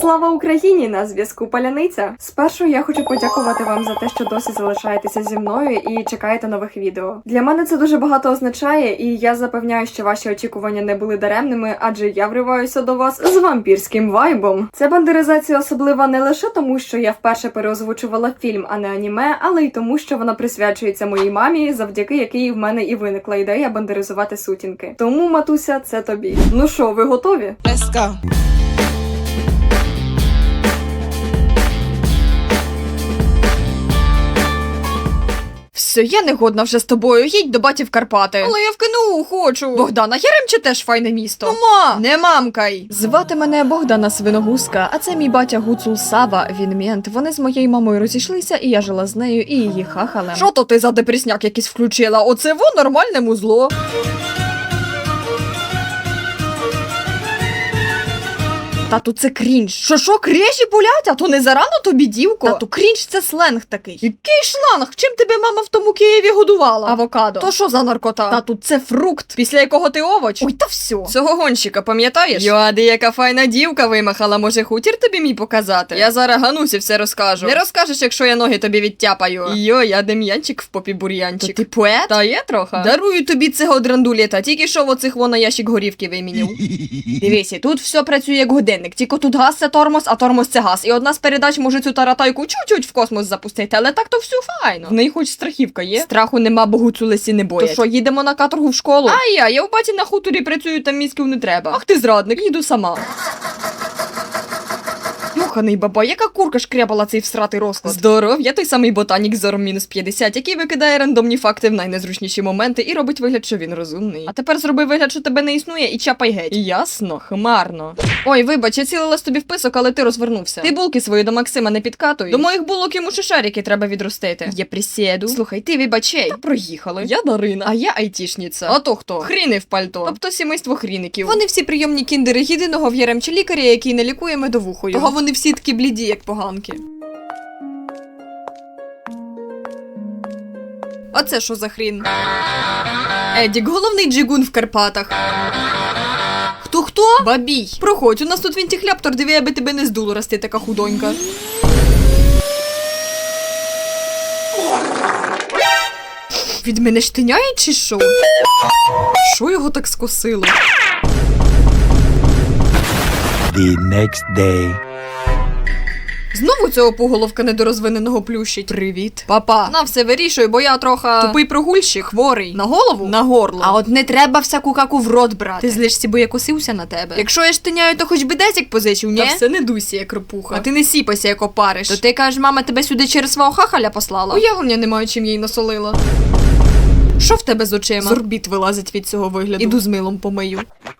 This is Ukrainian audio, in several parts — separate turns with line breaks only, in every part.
Слава Україні! На зв'язку Паляниця. Спершу я хочу подякувати вам за те, що досі залишаєтеся зі мною і чекаєте нових відео. Для мене це дуже багато означає, і я запевняю, що ваші очікування не були даремними, адже я вриваюся до вас з вампірським вайбом. Ця бандеризація особлива не лише тому, що я вперше переозвучувала фільм, а не аніме, але й тому, що вона присвячується моїй мамі, завдяки якій в мене і виникла ідея бандеризувати сутінки. Тому, матуся, це тобі. Ну що, ви готові?
Let's go.
Все, я не годна вже з тобою, їдь до баті в Карпати. Але я в КНУ хочу. Богдана, Яремче теж файне місто. Ну, ма, не мамкай. Звати мене Богдана Свиногузка, а це мій батя Гуцул Сава, він мент. Вони з моєю мамою розійшлися, і я жила з нею і її хахалем. Що то ти за депресняк якийсь включила? Оце во нормальне музло. Тату, це крінж. Що, крежі болять? А то не зарано тобі, дівко? Тату, крінж – це сленг такий. Який шланг? Чим тебе мама в тому Києві годувала? Авокадо. То що за наркота? Тату, це фрукт, після якого ти овоч. Ой, та все. Цього гонщика, пам'ятаєш? Йоади, яка файна дівка вимахала. Може, хутір тобі мій показати? Я зараз Ганусі все розкажу. Не розкажеш, якщо я ноги тобі відтяпаю. Йо, я дем'янчик в попі бур'янчик. То ти поет? Та є трохи. Дарую тобі цього драндулєта, тільки що в оцих на ящик горівки вимінів. Дивися, тут все працює як годинник. Тільки тут газ це тормоз, а тормоз це газ. І одна з передач може цю таратайку чуть-чуть в космос запустити, але так то все файно. В неї хоч страхівка є. Страху нема, бо гуцулесі не боять. То що, їдемо на каторгу в школу? А я в баті на хуторі працюю, там мізків не треба. Ах ти зрадник, їду сама. Йоханий баба, яка курка шкрябала цей всратий розклад. Здоров, я той самий ботанік з зором -50, який викидає рандомні факти в найнезручніші моменти і робить вигляд, що він розумний. А тепер зроби вигляд, що тебе не існує, і чапай геть. Ясно, хмарно. Ой, вибач, я цілилась тобі в писок, але ти розвернувся. Ти булки свої до Максима не підкатуй. До моїх булок йому ще шарики треба відростити. Я присіду. Слухай, ти вибачей. Та проїхали. Я Дарина, а я айтішниця. А то хто? Хріни в пальто. Тобто сімейство хріників. Вони всі прийомні кіндери єдиного в Яремче лікаря, який не лікує медовухою. Того вони всі такі бліді, як поганки. А це що за хрін? Едік, головний джигун в Карпатах. Хто? Бабій. Проходь, у нас тут вінтіхляптор, диви, аби тебе не здуло, раз ти така худонька. Від мене штиняє чи що? Що його так скосило?
The next day.
Знову цього поголовка недорозвиненого плющить. Привіт. Папа, на все вирішуй, бо я трохи тупий прогульщик, хворий. На голову? На горло. А от не треба всяку каку в рот брати. Ти злишся, бо я косився на тебе. Якщо я штиняю, то хоч би десять позичив, ні? Та все не дуйся, як ропуха. А ти не сіпайся, як опариш. То ти кажеш, мама тебе сюди через свого хахаля послала? Уявлення не маю, чим їй насолила. Що в тебе з очима? З орбіт вилазить від цього вигляду. Іду з милом помию.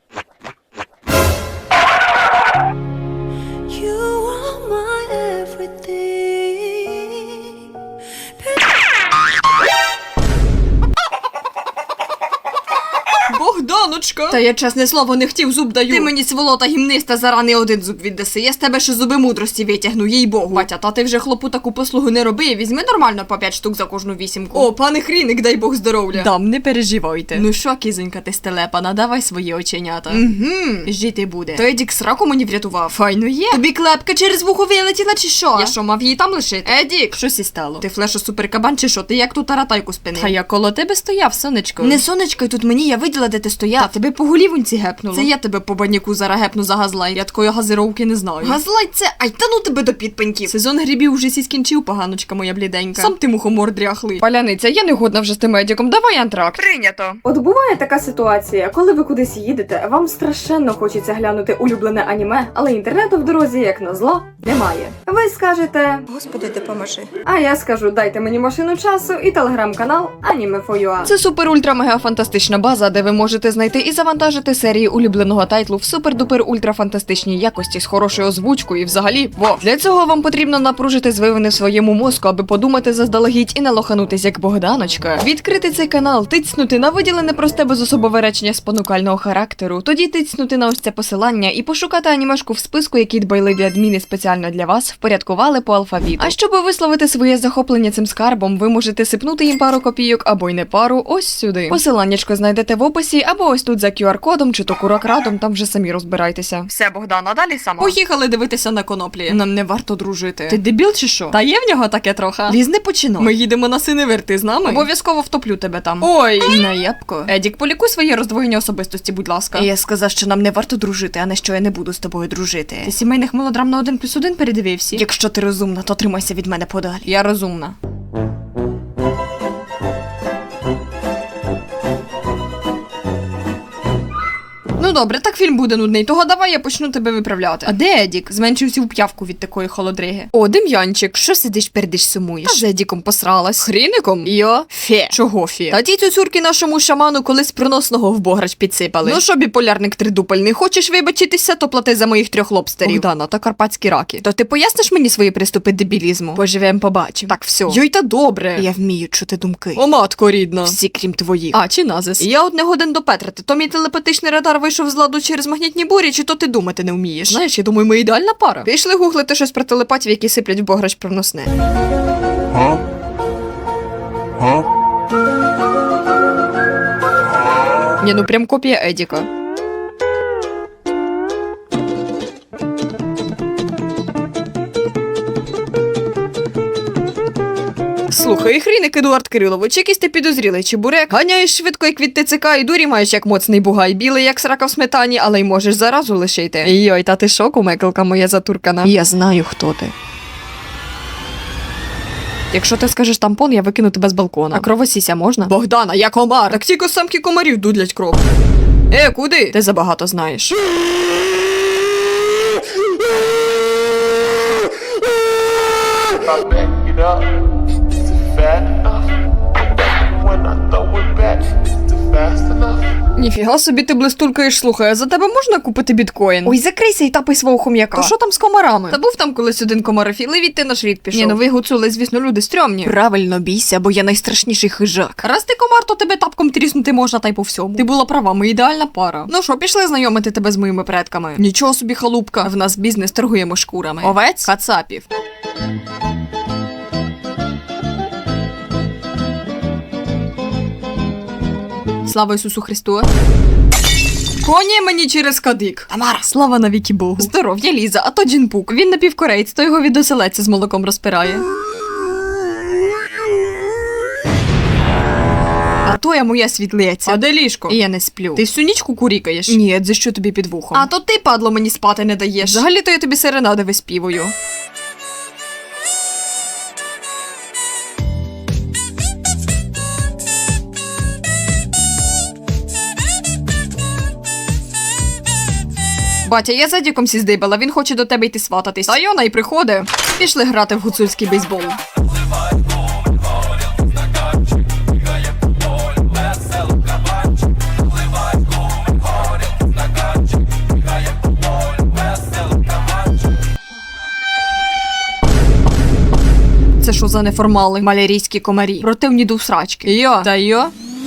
Богданочка! Та я, чесне слово, не хотів, зуб даю. Ти мені, сволота гімниста, зарани один зуб віддаси. Я з тебе ще зуби мудрості витягну, їй богу. Батя, та ти вже хлопу таку послугу не роби, візьми нормально по 5 штук за кожну вісімку. О, пане хріник, дай Бог здоров'я. Дам, не переживайте. Ну що, кізонька, ти стелепана, давай свої оченята. Жити буде. То Едік сраку мені врятував. Файно є. Тобі клепка через вухо вилетіла чи що? Я що, мав її там лишити? Едік, щось і стало. Ти флешо суперкабан чи що? Ти як ту таратайку спинив? Та я коло тебе стояв, сонечко. Не сонечко, тут мені, я виділа, де ти стояв. Та тебе по голівоньці гепнуло. Це я тебе по баняку зараз гепну за газлайт. Я такої газировки не знаю. Газлайт це, ай та ну тебе до підпеньків. Сезон грибів уже сі скінчив, поганочка моя бліденька. Сам ти мухомор дряхлий. Паляниця, я не годна вже з тим медиком, давай антракт. Прийнято.
От буває така ситуація, коли ви кудись їдете, вам страшенно хочеться глянути улюблене аніме, але інтернету в дорозі, як назло, немає. Ви скажете:
Господи, допоможи.
а я скажу: дайте мені машину часу і телеграм-канал Anime4UA.
Це супер-ультра-мега-фантастична база, де ви можете знайти і завантажити серії улюбленого тайтлу в супер-дупер-ультра-фантастичній якості з хорошою озвучкою і взагалі, Для цього вам потрібно напружити звивини в своєму мозку, аби подумати заздалегідь і не лоханутись як Богданочка. Відкрити цей канал, тицнути на виділене просте безособове речення спонукального характеру, тоді тицнути на ось це посилання і пошукати анімешку в списку, який дбайливі адміни спеціально для вас впорядкували по алфавіту. А щоб висловити своє захоплення цим скарбом, ви можете сипнути їм пару копійок або й не пару ось сюди. Посиланнячко знайдете в описі або ось тут за QR-кодом, чи то куракрадом, там вже самі розбирайтеся. Все, Богдана, далі сама. Поїхали дивитися на коноплі. Нам не варто дружити. Ти дебіл чи що? Та є в нього таке трохи. Ліз, не починай. Ми їдемо на Синевир, ти з нами? Обов'язково втоплю тебе там. Ой, наєбко. Едік, полікуй своє роздвоєння особистості, будь ласка. Я сказав, що нам не варто дружити, а не що я не буду з тобою дружити. Ти сімейних мелодрам на 1+1 передивився? Якщо ти розумна, то тримайся від мене подалі. Я розумна. Ну добре, так фільм буде нудний, того давай я почну тебе виправляти. А де Едік? Зменшився в п'явку від такої холодриги. О, Дем'янчик, що сидиш, пердиш, сумуєш? Та з Едіком посралась. Хріником? Йо? Фе. Чого фе? Та ті цюцюрки нашому шаману колись проносного в бограч підсипали. Ну що, біполярник тридупельний, хочеш вибачитися, то плати за моїх 3 лобстерів. Богдана, та карпатські раки. То ти поясниш мені свої приступи дебілізму? Поживем, побачимо. Так, все. Йой, та добре. Я вмію чути думки. О, матко рідна. Всі, крім твоїх. А, чи назис? Я от не годен допетрити. То мій телепатичний радар вийшов з ладу через магнітні бурі, чи то ти думати не вмієш? Знаєш, я думаю, ми ідеальна пара. Пішли гуглити щось про телепатів, які сиплять в бограч проносне. Ні, ну прям копія Едіка. Слухай, хріник Едуард Кирилович, якийсь ти підозрілий чебурек. Ганяєш швидко, як від ТЦК, і дурі маєш, як моцний бугай, білий, як срака в сметані, але й можеш заразу лишити. Йой, та ти шоку, мекалка моя затуркана. Я знаю, хто ти. Якщо ти скажеш тампон, я викину тебе з балкона. А кровосіся можна? Богдана, я комар! Так тільки самки комарів дудлять кров. Куди? Ти забагато знаєш.
It up. Is it fat enough? When I throw it back, is it fast enough?
Ніфіга собі ти блистулкаєш, слухай, а за тебе можна купити біткоін? Ой, закрийся і тапай свого хом'яка. То що там з комарами? Та був там колись один комарофіл, і відти наш рід пішов. Ні, ну ви гуцули, звісно, люди стрьомні. Правильно, бійся, бо я найстрашніший хижак. Раз ти комар, то тебе тапком тріснути можна, та й по всьому. Ти була права, ми ідеальна пара. Ну що, пішли знайомити тебе з моїми предками. Нічого собі, халупка. В нас бізнес, торгуємо шкурами. Овець? Кацапів. Слава Ісусу Христу! Коні мені через кадик. Тамара, слава навіки Богу. Здоров'я, Ліза, а то Джінпук. Він напівкореєць, то його від оселедця з молоком розпирає. А то я моя світлиця. А де ліжко? І я не сплю. Ти всю ніч кукурікаєш? Ні, за що тобі під вухом? А то ти, падло, мені спати не даєш. Взагалі-то я тобі серенади виспівую. Батя, я за Діком сіздибала, він хоче до тебе йти свататись. Та Йона й приходить. Пішли грати в гуцульський бейсбол. Це що за неформали? Малярійські комарі. Противні до всрачки. Йо. Та йо.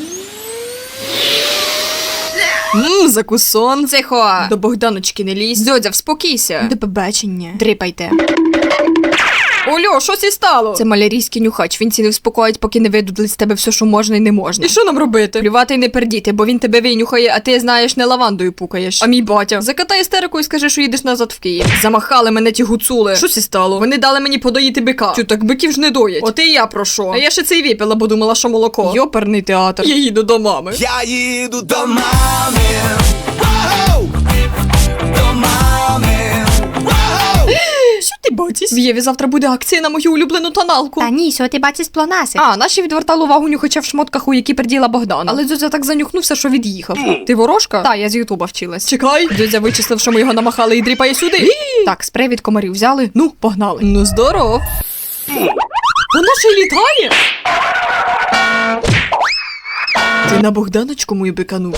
Закусон. Тихо. До Богданочки не лізь. Дзьодзя, вспокійся. До побачення. Дрипайте. Олю, що сі стало? Це малярійський нюхач. Він ці не вспокоїть, поки не видудлить з тебе все, що можна і не можна. І що нам робити? Плювати й не пердіти, бо він тебе винюхає, а ти, знаєш, не лавандою пукаєш. А мій батя. Закатай істерику і скажи, що їдеш назад в Київ. Замахали мене ті гуцули. Що сі стало? Вони дали мені подоїти бика. Чу, так биків ж не доять. От і я про що? А я ще цей випила, бо думала, що молоко. Йоперний театр. Я їду до мами.
Я їду до мами. Воу! До мами. Воу!
Що ти бачиш? В Єві завтра буде акція на мою улюблену тоналку.
Та ні, що ти бачиш плонаси?
А, наші відвертали увагу нюхача в шмотках, у які перділа Богдана. Але Дзюдзя так занюхнувся, що від'їхав. Ти ворожка? Та, я з Ютуба вчилась. Чекай. Дзюдзя вичислив, що ми його намахали і дріпає сюди. Так, спрей від комарів взяли. Ну, погнали. Ну, здоров. Вона ще й літає. Ти на Богданочку мою биканув.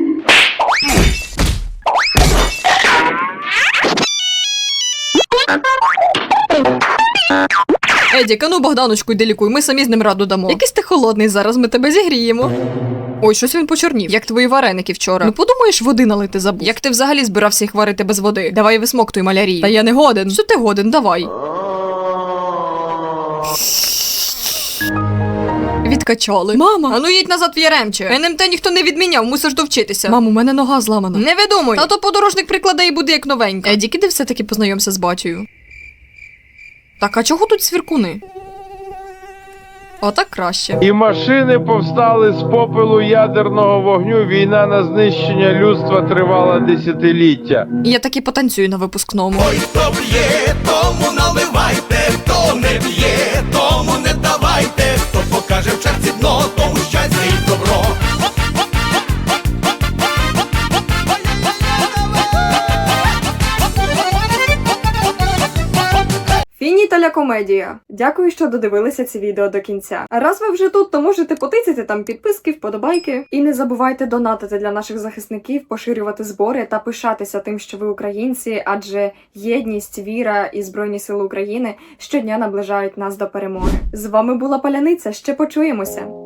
Едік, а ну Богданочку йди лікуй, ми самі з ним раду дамо. Якийсь ти холодний, зараз ми тебе зігріємо. Ой, щось він почорнів, як твої вареники вчора. Ну подумаєш, води налити забув. Як ти взагалі збирався їх варити без води? Давай висмоктуй малярії. Та я не годен. Що ти годен? Давай. Відкачали. Мама, а ну їдь назад в Яремче. НМТ ніхто не відміняв, мусиш довчитися. Мам, у мене нога зламана. Не видумуй. А то подорожник прикладе і буде як новенька. Едік, іди все-таки познайомся з батькою. Так, а чого тут свіркуни? Отак краще.
І машини повстали з попелу ядерного вогню. Війна на знищення людства тривала десятиліття.
І я таки потанцюю на випускному.
Ой, хто б'є, тому наливайте, хто не б'є, тому не давайте, хто покаже в черзі дно, тому щастя і добро.
Фініталя комедія. Дякую, що додивилися це відео до кінця. А раз ви вже тут, то можете потицяти там підписки, вподобайки. І не забувайте донатити для наших захисників, поширювати збори та пишатися тим, що ви українці, адже єдність, віра і Збройні Сили України щодня наближають нас до перемоги. З вами була Паляниця, ще почуємося!